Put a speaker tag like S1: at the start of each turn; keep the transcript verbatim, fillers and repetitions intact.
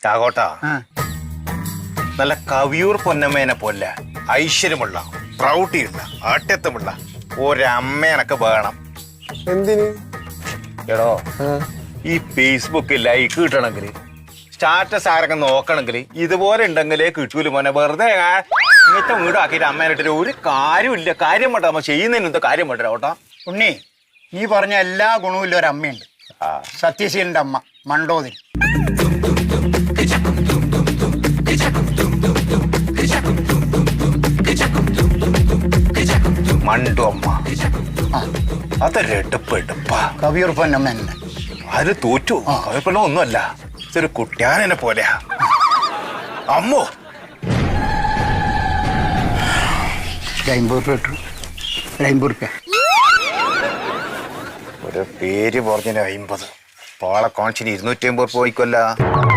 S1: ചാകോട്ടാ നല്ല കവിയൂർ പൊന്നമ്മേനെ പോലെ ഐശ്വര്യമുള്ള പ്രൗഢിയുള്ള ആട്യത്വമുള്ള ഒരമ്മേനൊക്കെ വേണം.
S2: എന്തിന്?
S1: എടോ ഈ ഫേസ്ബുക്ക് ലൈക്ക് കിട്ടണമെങ്കിൽ സ്റ്റാറ്റസ് ആരൊക്കെ നോക്കണമെങ്കിൽ ഇതുപോലെ ഉണ്ടെങ്കിലേ കിട്ടൂല മോനെ. വെറുതെ ഇങ്ങനത്തെ വീടാക്കിയിട്ട് അമ്മേനിട്ട് ഒരു കാര്യമില്ല. കാര്യം വേണ്ട അമ്മ ചെയ്യുന്നതിന് എന്താ കാര്യം വേണ്ട ഓട്ടാ.
S3: ഉണ്ണി, നീ പറഞ്ഞ എല്ലാ ഗുണവും ഒരു അമ്മയുണ്ട്. സത്യശീലന്റെ അമ്മ മണ്ടോതിരി.
S1: മണ്ടു അമ്മ അതൊരെടുപ്പ് എടുപ്പാ.
S3: കവിയൂർ പൊന്നമ്മ തന്നെ.
S1: അത് തോറ്റു. കവിയപ്പള്ള ഒന്നുമല്ല, ഇതൊരു കുട്ടിയാനെ പോലെയാ. അമ്മോ
S3: അമ്പത് രൂപ കിട്ടും. ഒരു അമ്പത് റുപ്യ.
S1: ഒരു പേര് പറഞ്ഞ അമ്പത് പാളെ കാണിച്ചിന് ഇരുന്നൂറ്റി അമ്പത് പോയിക്കൊല്ല.